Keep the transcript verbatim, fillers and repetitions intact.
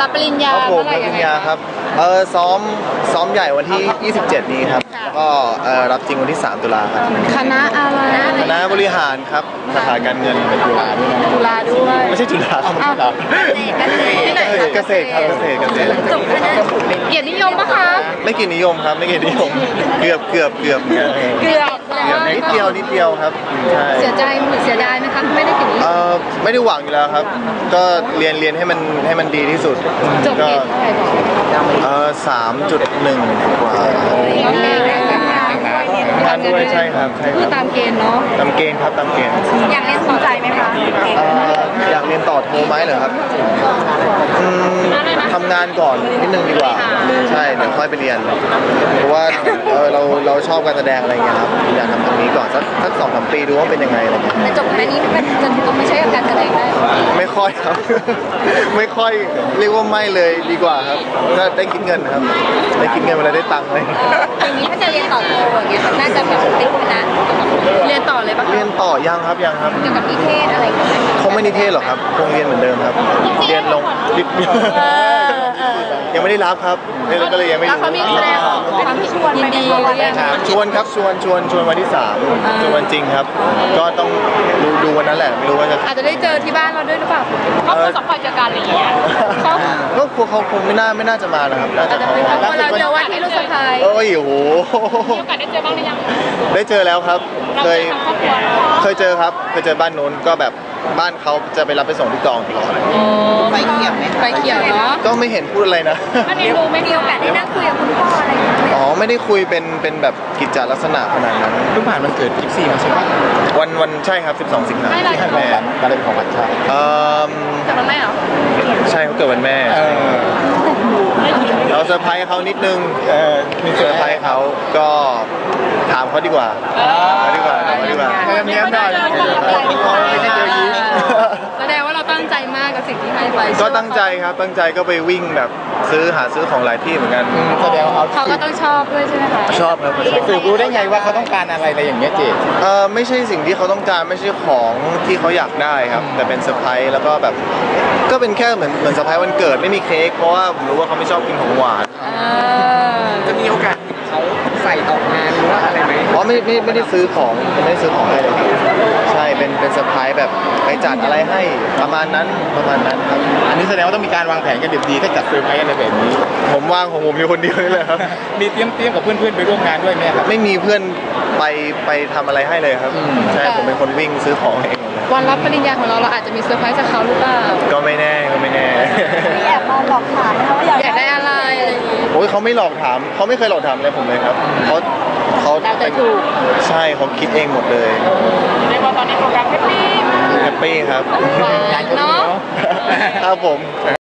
รับปริญญาครับผมรับปริญญาครับเออซ้อมซ้อมใหญ่วันที่ยี่สิบเจ็ดนี้ครับแล้วก็เออรับจริงวันที่สามตุลาครับคณะอะไรคณะบริหารครับสาขาการเงินเป็นจุฬาด้วยจุฬาด้วยไม่ใช่จุฬาครับเกษตรครับเกษตรเกษตรจบคณะเกียรตินิยมปะคะไม่เกียรตินิยมครับไม่เกียรตินิยมเกือบเกือบเกือบเกือบเกือบนิดเดียวนิดเดียวครับใช่เสียใจหรือเสียดายไหมคะไม่ได้เกียรตินิยมเออไม่ได้หวังอยู่แล้วครับก็เรียนเรียนให้มันให้มันดีที่สุดจบเกรดเท่าไหร่บอกเออสามจุดหนึ่งกว่างานด้วยใช่ครับใช่ครับตามเกณฑ์เนาะตามเกณฑ์ครับตามเกณฑ์อยากเรียนต่อใจไหมคะอยากเรียนต่อโทไหมเหรอครับทำงานก่อนนิดนึงดีกว่าใช่เดี๋ยวค่อยไปเรียนเพราะว่าเออเราเราชอบการแสดงอะไรเงี้ยครับอยากทำตรงนี้ก่อนสักสักสองสามปีดูว่าเป็นยังไงอะไรเงี้ยแต่จบแค่นี้มันจะต้องไม่ใช่การแสดงได้ไม่ค่อยครับไม่ค่อยเรียกว่าไม่เลยดีกว่าครับถ้าได้คิดเงินครับได้คิดเงินเวลาได้ตังค์เลยอย่างนี้ถ้าจะเรียนต่อโทอย่างเงี้ยน่าจะแบบติดคณะเรียนต่อเลยปะเรียนต่อยังครับยังครับเกี่ยวกับนิเทศอะไรคงไม่นิเทศหรอกครับคงเรียนเหมือนเดิมครับเรียนลงยังไม่ได้รับครับนี่ก็เลยยังไม่รู้เขามีแสดงออกความชวนยินดีชวนครับชวนชวนชวนวันที่สามชวนวันจริงครับก็ต้องดูดูวันนั้นแหละไม่รู้ว่าจะอาจจะได้เจอที่บ้านเราด้วยหรือเปล่าเขาคงสัมผัสเจอกันอะไรอย่างเงี้ยก็คงเขาคงไม่น่าไม่น่าจะมานะครับน่าจะเขาเราเจอวันที่ลูกสะใภ้เอ้ยโอ้โหมีโอกาสได้เจอบ้างหรือยังได้เจอแล้วครับเคยเคยเจอครับเคยเจอบ้านโน้นก็แบบบ้านเขาจะไปรับไปส่งที่กองตลอดไปเขียวไหมไปเขียวเนาะก็ไม่เห็นพูดอะไรนะไม่รู้ไม่มีโอกาสได้นั่งคุยกับคุณพ่ออะไรอ๋อไม่ได้คุยเป็นเป็นแบบกิจจลักษณะขนาดนั้นเพิ่งผ่านวันเกิดยี่สิบสี่มาใช่ไหมวันวันใช่ครับสิบสองสิงหาคมที่ให้แม่มาเป็นของขวัญใช่เออเกิดวันแม่เหรอใช่เขาเกิดวันแม่เราเซอร์ไพรส์เขานิดนึงเออมีเซอร์ไพรส์เขาก็ถามเขาดีกว่าเขาดีกว่าเขาดีกว่าเมียหน่อยไม่ใช่เจอยิ้มแสดงว่าเราตั้งใจมากกับสิ่งที่ให้ไปก็ตั้งใจครับตั้งใจก็ไปวิ่งแบบซื้อหาซื้อของหลายที่เหมือนกันแสดงว่าเขาก็ต้องชอบด้วยใช่ไหมคะชอบครับสืบรู้ได้ไงว่าเขาต้องการอะไรอะไรอย่างเงี้ยเจเออไม่ใช่สิ่งที่เขาต้องการไม่ใช่ของที่เขาอยากได้ครับแต่เป็นเซอร์ไพรส์แล้วก็แบบก็เป็นแค่เหมือนเหมือนเซอร์ไพรส์วันเกิดไม่มีเค้กเพราะว่าผมรู้ว่าเขาไม่ชอบกินของหวานจะมีโอกาสเขาใส่ออกงานหรือว่าอะไรไหมอ๋อไม่ไม่ไม่ได้ซื้อของไม่ได้ซื้อของให้เลยใช่เป็นเป็นเซอร์ไพรส์แบบไปจัดอะไรให้ประมาณนั้นประมาณนั้นครับอันนี้แสดงว่าต้องมีการวางแผนกันดีๆถ้าจัดเซอร์ไพรส์อะไรแบบนี้ผมวางของผมอยู่คนเดียวเลยครับมีเตรียมเตรียมกับเพื่อนๆไปร่วมงานด้วยไหมครับไม่มีเพื่อนไปไปทำอะไรให้เลยครับใช่ผมเป็นคนวิ่งซื้อของเองวันรับปริญญาของเราเราอาจจะมีเซอร์ไพรส์จากเขาหรือเปล่าก็ไม่แน่ก็ไม่แน่แอบมาหลอกถามนะคะว่าอยากได้อะไรอะไรอย่างงี้โอ้ยเขาไม่หลอกถามเขาไม่เคยหลอกถามอะไรผมเลยครับเขาเขาถูกใช่เขาคิดเองหมดเลยในวันตอนนี้โปรแกรมแฮปปี้แฮปปี้ครับเนาะครับผม